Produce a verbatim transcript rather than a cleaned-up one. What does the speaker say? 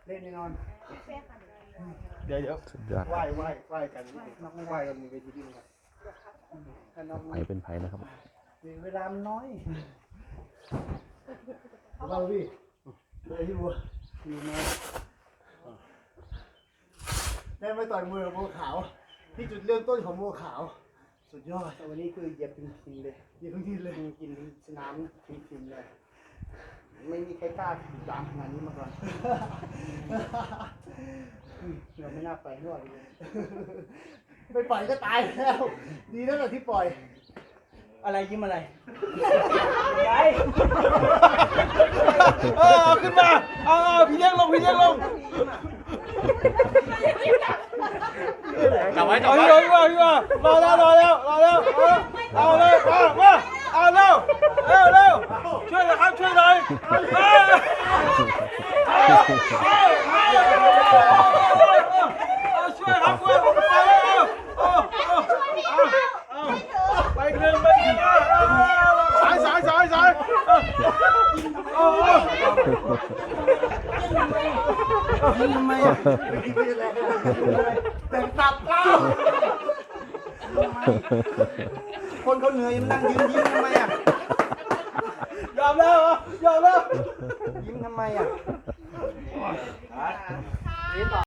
เล่นแน่นอนเดี๋ยวเดี๋ยวสุดยอดไหว้ไหว้ไหว้กันนอกไหว้กันมีเวทีที่นี่ครับถ้านอกไผเป็นไผนะครับเวลามันน้อยเราพี่เลยที่บัวอยู่มาได้ไม่ต่อยมือกับบัวขาวที่จุดเริ่มต้นของบัวขาวสุดยอดวันนี้คือเหยียบถึงทีเลยเหยียบถึงทีเลยกินสนามถึงทีเลยไม่มีใครกล้าขี่ตามงานนี้มาก่อนเราไม่น่าไปด้วยไปปล่อยก็ตายแล้วดีแล้วแหละที่ปล่อยอะไรยิ้มอะไรไปเออเอาขึ้นมาเอาเอาพี่เลี้ยงลงพี่เลี้ยงลงจับไว้จับไว้เอาพี่ว่ารอแล้วรอแล้วรอแล้วเอาเลยเอามาเอาเร็วเร็วเร็วช่วยหน่อยครับช่วยหน่อยช่วยครับช่วยผมไปแล้วไปหนึ่งไปหนึ่งสายสายสายสายโอ้ยิงทำไมอ่ะแต่ตับเล่าคนเขาเหนื่อยมันนั่งยิ้มยิ้มทำไมอ่ะยอมแล้วยอมแล้วยิ้มทำไมอ่ะ